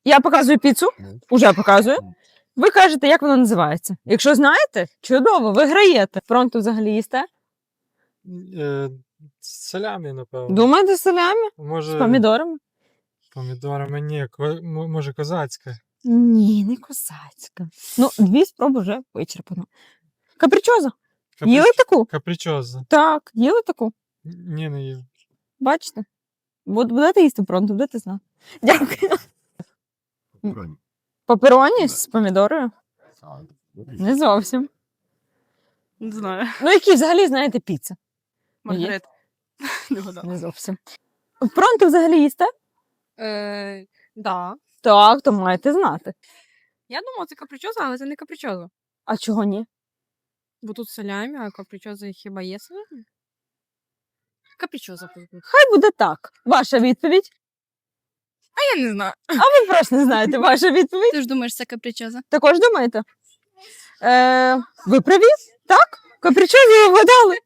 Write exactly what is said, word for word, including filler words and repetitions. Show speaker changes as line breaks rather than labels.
Я показую піцу, уже показую. Ви кажете, як вона називається. Якщо знаєте, чудово, ви граєте. Пронто взагалі їсте?
Е, з салямі, напевно.
Думаєте, з салямі?
Може,
З помідорами?
помідорами, ні, ко- м- може козацька.
Ні, не косацька. Ну, дві спроби вже вичерпано. Капричоза.
Каприч-
Їли таку?
Капричоза.
Так, їли таку.
Ні, не їв.
Бачите? Буд- Будете їсти пронто, будете знати. Дякую.
Бронь.
Папероні
Да.
з помідорою?
А,
Не зовсім.
Не знаю.
Ну, які взагалі знаєте піца?
Маргарет. Не гадала.
Не зовсім. Пронто взагалі їсте?
Е, да.
Так, то маєте знати.
Я думала, це капричоза, але це не капричоза.
А чого ні?
Бо тут салямі, а капричоза хіба є салямі? Капричоза, пойду.
Хай буде так. Ваша відповідь.
А я не знаю.
Ви просто не знаєте ваша відповідь.
Ти ж думаєш, це капричоза?
Також думаєте? Е, ви праві? Так? Капричозу ви вгадали.